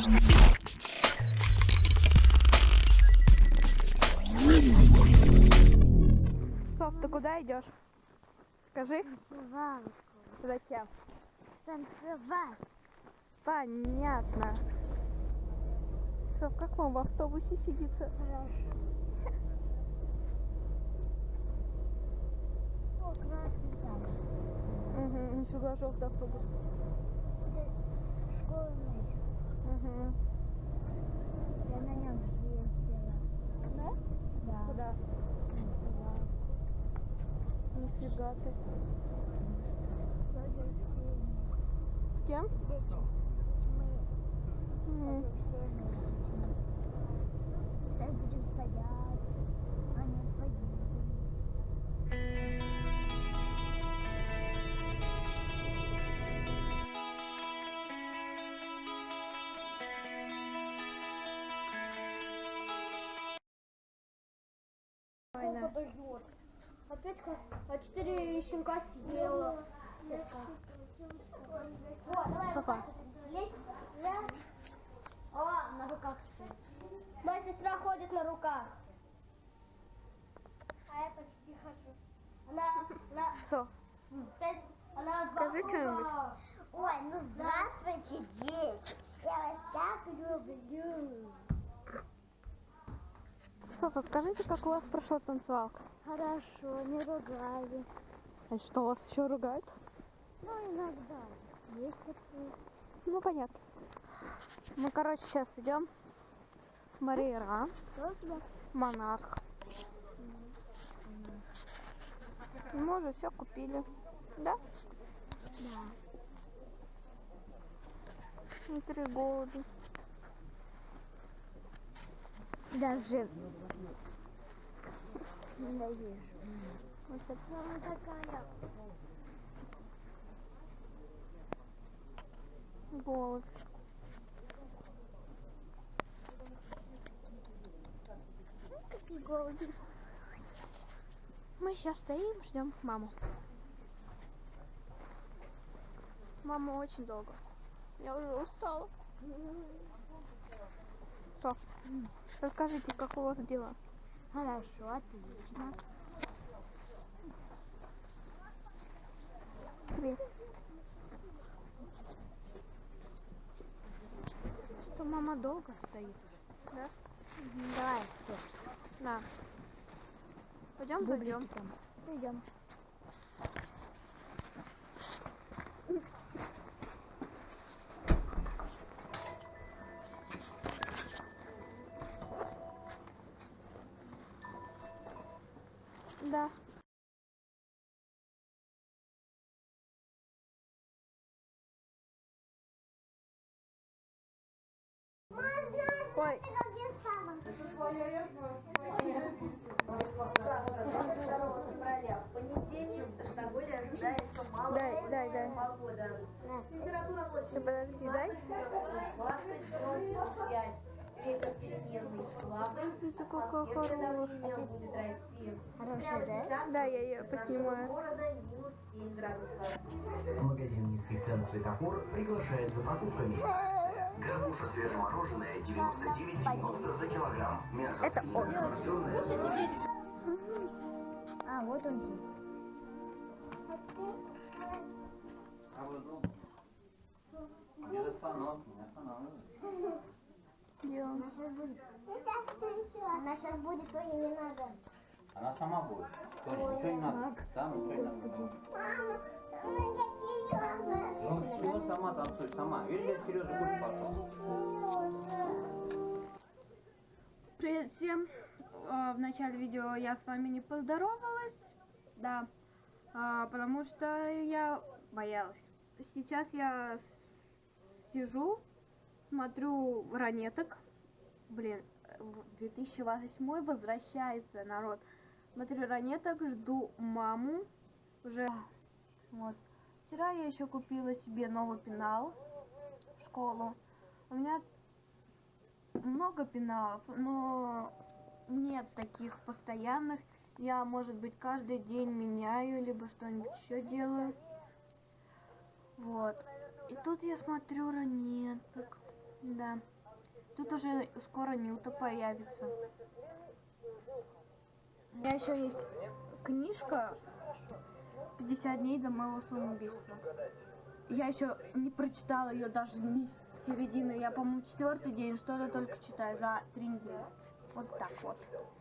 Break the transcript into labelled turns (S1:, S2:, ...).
S1: Соф, ты куда идешь? Скажи.
S2: Танцевалку.
S1: Зачем?
S2: Танцевать.
S1: Понятно. Соф, как вам в автобусе сидится?
S2: Хорошо. О, красный там.
S1: Угу, нифига, желтый автобус.
S2: Это школьный.
S1: Угу.
S2: Я на нем ездила.
S1: Да?
S2: Да.
S1: Куда?
S2: Танцевала.
S1: Нифига ты.
S2: С Алексеем.
S1: С кем?
S2: С детьми. С
S1: Мгм.
S2: Алексеем и детьми. Сейчас будем стоять. Они поедут.
S1: Война.
S3: Подойдет. Опять 4 щенка съела. Вот, давай
S1: Папа.
S3: вот так вот лезь. Раз. О, на руках. Моя сестра ходит на руках. А я почти хожу. Она
S1: Соф,
S3: она
S1: скажи что-нибудь.
S2: Ой, ну здравствуйте, дети. Я вас так люблю.
S1: Софа, скажите, как у вас прошла танцевалка?
S2: Хорошо, не ругали.
S1: А что, вас еще ругают?
S2: Ну, иногда. Есть такие.
S1: Ну, понятно. Мы, короче, сейчас идем. Мария,
S2: Что у тебя?
S1: монарх. Мы уже все купили. Да?
S2: Да.
S1: И 3 голуби.
S2: Даже не даешь.
S1: Вот это.
S2: Мама такая.
S1: Голубь.
S2: Какие голуби.
S1: Мы сейчас стоим, ждем маму. Мама очень долго. Я уже устала. Соф, расскажите, как у вас дела?
S2: Хорошо, отлично.
S1: Привет. Что мама долго стоит? Да?
S2: Давай, все.
S1: Да. Пойдем зайдем.
S2: там. Идем.
S1: Да. Ой. Дай.
S4: Температура
S1: Ты подожди, дай.
S4: 20,5. Ветер переменный слабый.
S1: Ты такой
S4: Атмосферное
S1: хороший.
S4: давление будет расти.
S2: Хорошо,
S4: Прямо
S2: да?
S4: сейчас
S1: Да, я ее
S4: в нашем
S1: поснимаю.
S4: городе минус 7 градусов.
S5: Магазин низких цен «Светофор» приглашает за покупками. Горбуша свежемороженое 99,90 за килограмм. Мясо
S1: Это
S5: свинина охлажденное.
S2: А, вот он здесь.
S1: Делаем.
S2: Она сейчас будет, то ей не надо.
S6: Она сама будет. Тоня, ничего не надо. Там ничего не надо. Ну все, сама танцуй, сама. Видишь, дядя Сережа будет пошел.
S1: Привет всем. В начале видео я с вами не поздоровалась. Да. Потому что я боялась. Сейчас я сижу, смотрю ранеток. Блин, 2008 возвращается, народ. Смотрю ранеток, жду маму. Уже вот. Вчера я еще купила себе новый пенал в школу. У меня много пеналов, но нет таких постоянных. Я, может быть, каждый день меняю, либо что-нибудь еще делаю. Вот. И тут я смотрю ранеток. Да. Тут уже скоро Нюта появится. У меня еще есть книжка «50 дней до моего самоубийства». Я еще не прочитала ее даже ни с середины. Я, по-моему, 4-й день что-то только читаю за 3 недели. Вот так вот.